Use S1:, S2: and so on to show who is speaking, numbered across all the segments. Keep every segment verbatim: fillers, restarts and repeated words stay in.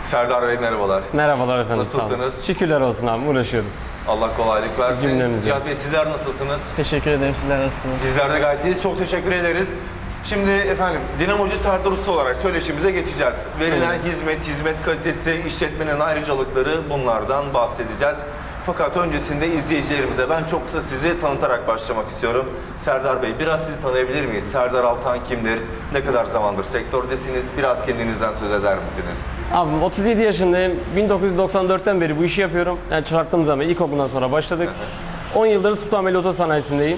S1: Serdar Bey merhabalar.
S2: Merhabalar efendim.
S1: Nasılsınız?
S2: Şükürler olsun abi, uğraşıyoruz.
S1: Allah kolaylık versin.
S2: Cümlemize.
S1: Cihat Bey sizler nasılsınız?
S3: Teşekkür ederim. Sizler nasılsınız?
S1: Bizler de gayet iyiyiz. Çok teşekkür ederiz. Şimdi efendim Dinamocu Serdar Usta olarak söyleşimize geçeceğiz. Verilen
S2: Evet.
S1: hizmet, hizmet kalitesi, işletmenin ayrıcalıkları, bunlardan bahsedeceğiz. Fakat öncesinde izleyicilerimize ben çok kısa sizi tanıtarak başlamak istiyorum. Serdar Bey, biraz sizi tanıyabilir miyiz? Serdar Altan kimdir? Ne kadar zamandır sektördesiniz? Biraz kendinizden söz eder misiniz?
S2: Abim otuz yedi yaşındayım. bin dokuz yüz doksan dörtten beri bu işi yapıyorum. Yani çıraklığım zaman ilkokuldan sonra başladık. on yıldır Sultanbeyli Otosanayisi'ndeyim.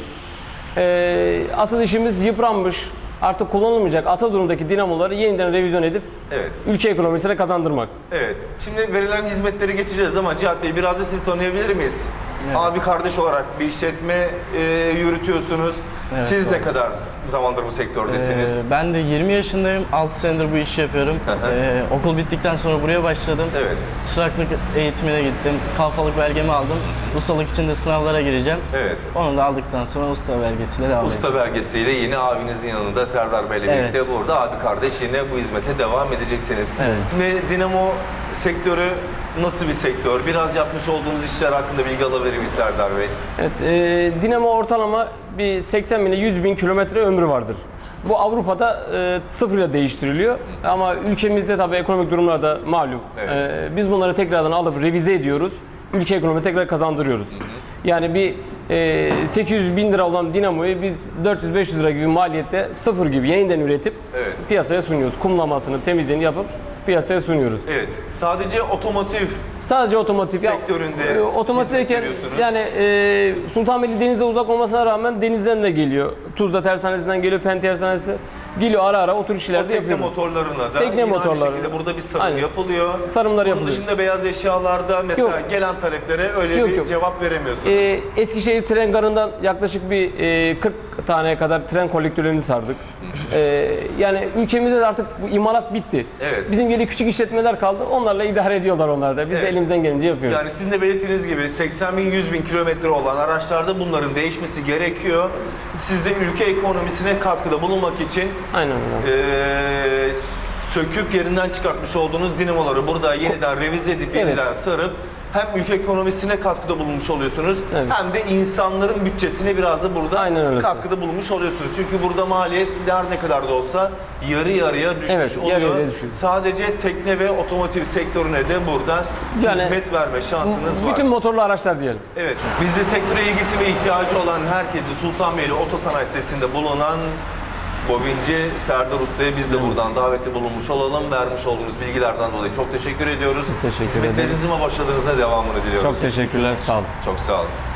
S2: Ee, asıl işimiz yıpranmış, artık kullanılmayacak ata durumdaki dinamoları yeniden revizyon edip
S1: Evet.
S2: ülke ekonomisine kazandırmak.
S1: Evet. Şimdi verilen hizmetleri geçeceğiz ama Cihat Bey biraz da sizi tanıyabilir miyiz?
S3: Evet.
S1: Abi kardeş olarak bir işletme e, yürütüyorsunuz.
S3: Evet,
S1: Siz
S3: doğru.
S1: ne kadar zamandır bu sektördesiniz?
S3: Ee, ben de yirmi yaşındayım. altı senedir bu işi yapıyorum.
S1: Hı hı.
S3: Ee, okul bittikten sonra buraya başladım.
S1: Evet.
S3: Çıraklık eğitimine gittim. Kalfalık belgemi aldım. Ustalık için de sınavlara gireceğim.
S1: Evet.
S3: Onu da aldıktan sonra usta belgesiyle devam edeceğim.
S1: Usta belgesiyle yine abinizin yanında Serdar Bey'le
S3: Evet.
S1: birlikte burada abi kardeş yine bu hizmete devam edeceksiniz.
S3: Evet.
S1: Şimdi Dinamo sektörü nasıl bir sektör? Biraz yapmış olduğunuz işler hakkında bilgi alabilir miyiz Serdar Bey?
S2: Evet, e, dinamo ortalama bir seksen bin ile yüz bin kilometre ömrü vardır. Bu Avrupa'da e, sıfırla değiştiriliyor ama ülkemizde tabii ekonomik durumlar da malum.
S1: Evet.
S2: E, biz bunları tekrardan alıp revize ediyoruz. Ülke ekonomi tekrar kazandırıyoruz. Yani bir e, sekiz yüz bin lira olan dinamoyu biz dört yüz beş yüz lira gibi maliyette sıfır gibi yeniden üretip
S1: Evet.
S2: piyasaya sunuyoruz. Kumlamasını, temizliğini yapıp piyasaya sunuyoruz.
S1: Evet. Sadece otomotiv
S2: Sadece otomotiv. Ya,
S1: sektöründe
S2: e, otomotiv
S1: hizmet
S2: derken
S1: veriyorsunuz.
S2: yani e, Sultanbeyli denize uzak olmasına rağmen denizden de geliyor. Tuzla tersanesinden geliyor, Pen tersanesi geliyor, ara ara otur
S1: o
S2: işlerde
S1: tekne
S2: yapıyoruz.
S1: motorlarına da
S2: Tekne
S1: yine
S2: motorlarına.
S1: aynı şekilde burada bir sarım
S2: Aynen.
S1: yapılıyor.
S2: Sarımlar
S1: Bunun
S2: yapılıyor.
S1: dışında beyaz eşyalarda mesela
S2: Yok.
S1: gelen taleplere öyle
S2: Yok,
S1: bir
S2: yok.
S1: cevap veremiyorsunuz.
S2: E, Eskişehir tren garından yaklaşık bir e, kırk taneye kadar tren kolektörlerini sardık. E, yani ülkemizde de artık bu imalat bitti.
S1: Evet.
S2: Bizim geri küçük işletmeler kaldı. Onlarla idare ediyorlar onlar da. Biz
S1: Evet.
S2: de elimizden gelince yapıyoruz.
S1: Yani sizin de belirttiğiniz gibi seksen bin yüz bin kilometre olan araçlarda bunların değişmesi gerekiyor. Siz de ülke ekonomisine katkıda bulunmak için
S2: Aynen öyle.
S1: eee, söküp yerinden çıkartmış olduğunuz dinamoları burada yeniden revize edip
S2: Evet.
S1: yeniden sarıp hem ülke ekonomisine katkıda bulunmuş oluyorsunuz
S2: Evet.
S1: hem de insanların bütçesine biraz da burada
S2: Aynen öyle.
S1: katkıda bulunmuş oluyorsunuz. Çünkü burada maliyetler ne kadar da olsa yarı yarıya düşmüş
S2: Evet,
S1: oluyor.
S2: yarı yarıya düşüyor.
S1: Sadece tekne ve otomotiv sektörüne de buradan
S2: Yani
S1: hizmet verme şansınız var.
S2: Bütün motorlu araçlar diyelim.
S1: Evet, bizde sektöre ilgisi ve ihtiyacı olan herkesi Sultanbeyli Otosanayi sitesinde bulunan Bobinci Serdar Usta'ya biz de buradan daveti bulunmuş olalım. Vermiş olduğunuz bilgilerden dolayı çok teşekkür ediyoruz.
S2: Biz teşekkür ederiz.
S1: Hizmetlerinizin ve başarılarınızın devamını diliyoruz.
S2: Çok teşekkürler, sağ olun.
S1: Çok sağ olun.